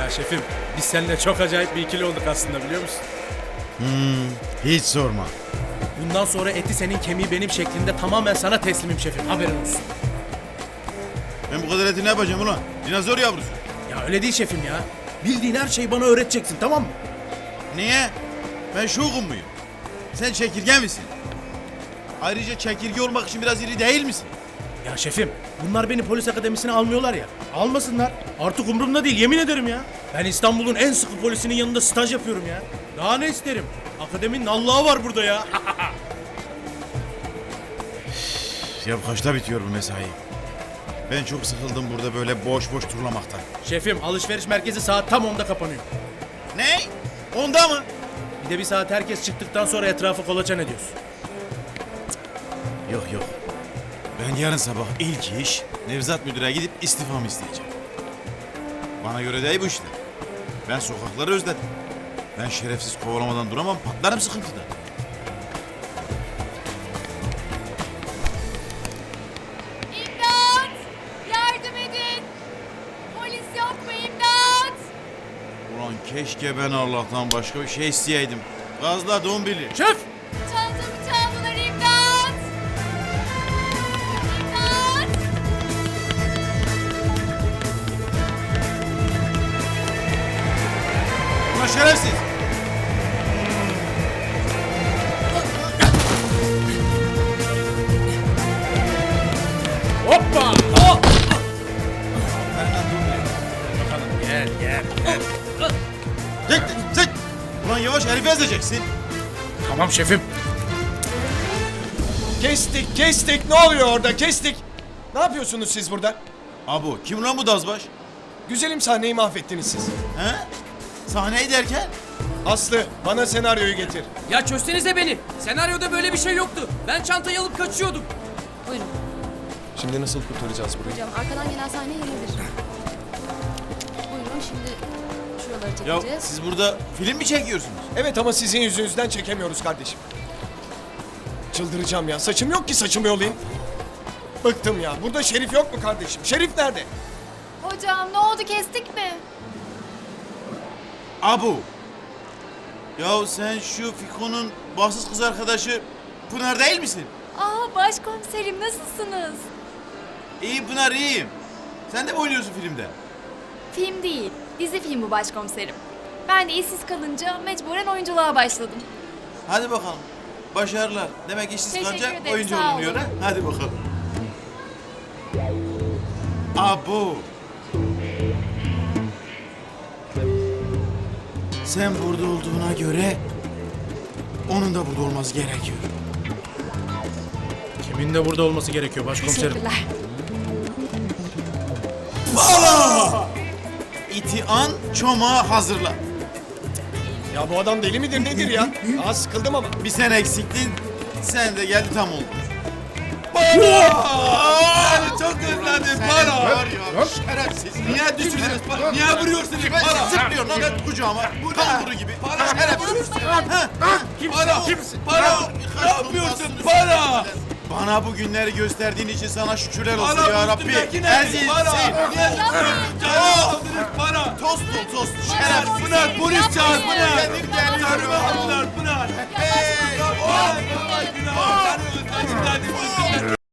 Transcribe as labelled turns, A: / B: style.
A: Ya şefim, biz seninle çok acayip bir ikili olduk aslında, biliyor musun?
B: Hiç sorma.
A: Bundan sonra eti senin, kemiği benim şeklinde tamamen sana teslimim şefim, haberin olsun.
B: Ben bu kadar eti ne yapacağım ulan? Dinozor yavrusu.
A: Ya öyle değil şefim ya. Bildiğin her şeyi bana öğreteceksin, tamam mı?
B: Niye? Ben şokum muyum? Sen çekirge misin? Ayrıca çekirge olmak için biraz iri değil misin?
A: Ya şefim, bunlar beni polis akademisine almıyorlar ya. Almasınlar. Artık umurumda değil, yemin ederim ya. Ben İstanbul'un en sıkı polisinin yanında staj yapıyorum ya. Daha ne isterim? Akademinin Allah'ı var burada ya.
B: Ya kaçta bitiyor bu mesai? Ben çok sıkıldım burada böyle boş boş turlamaktan.
A: Şefim, alışveriş merkezi saat tam 10'da kapanıyor.
B: Ne? Onda mı?
A: Bir de bir saat herkes çıktıktan sonra etrafı kolaçan ediyoruz.
B: Yok yok. Ben yarın sabah ilk iş Nevzat Müdür'e gidip istifamı isteyeceğim. Bana göre değil bu işte. Ben sokakları özledim. Ben şerefsiz kovalamadan duramam, patlarım sıkıntıda.
C: İmdat! Yardım edin! Polis yok mu imdat?
B: Ulan keşke ben Allah'tan başka bir şey isteyeydim. Gazla dombili.
A: Şef!
C: Çantamı çaldılar imdat! İmdat!
B: Ulan şerefsiz!
A: Hoppa! Bakalım, gel gel.
B: Tek! Ulan yavaş herifi ezeceksin.
A: Tamam şefim.
D: Kestik. Ne oluyor orada? Kestik. Ne yapıyorsunuz siz burada?
B: Abu kim lan bu dazbaş?
D: Güzelim sahneyi mahvettiniz siz.
B: He? Sahneyi derken?
D: Aslı, bana senaryoyu getir.
E: Ya çözsenize beni. Senaryoda böyle bir şey yoktu. Ben çantayı alıp kaçıyordum.
C: Buyurun
D: Şimdi nasıl kurtaracağız burayı?
C: hocam, arkadan gelen sahne yenidir. Buyurun, şimdi şuraları
B: Ya
C: çekeceğiz.
B: siz burada film mi çekiyorsunuz?
D: Evet ama sizin yüzünüzden çekemiyoruz kardeşim. Çıldıracağım ya. Saçım yok ki saçımı yolayım. Bıktım ya. Burada Şerif yok mu kardeşim? Şerif nerede?
C: Hocam ne oldu, kestik mi?
B: Abu. Ya sen şu Fiko'nun bahtsız kız arkadaşı Pınar değil misin?
C: Aa, başkomiserim nasılsınız?
B: İyi Pınar iyiyim. Sen de mi oynuyorsun filmde?
C: Film değil, dizi film bu başkomiserim. Ben de işsiz kalınca mecburen oyunculuğa başladım.
B: Hadi bakalım. Başarılar. Demek işsiz
C: Teşekkür
B: kalacak
C: ederim,
B: oyuncu
C: sağ
B: olunuyor
C: olun.
B: ha? Hadi bakalım. Abu. Sen burada olduğuna göre onun da burada olması gerekiyor.
A: Kimin de burada olması gerekiyor başkomiserim?
C: Teşekkürler.
B: İti an çomağı hazırla.
D: Ya bu adam deli midir nedir ya? Aa, sıkıldım ama.
B: Bir sen eksiktin, sen de geldi tam oldu. Para! Çok özledim para! Var ya, şerefsiz. Niye düşürdünüz para? Niye vuruyorsunuz para? Zıplıyor lan ben kucağıma. Kanguru gibi. Para şerefsiz. Para! Kimsin? Para! Ne yapıyorsun? Para! Bana bu günleri gösterdiğin için sana şükürler olsun ya Rabbi. Ezilsin. Para! Tost ol tost. Şerefsiz. Pınar polis çağır Pınar. Kendim geliyorum. Pınar. Hey!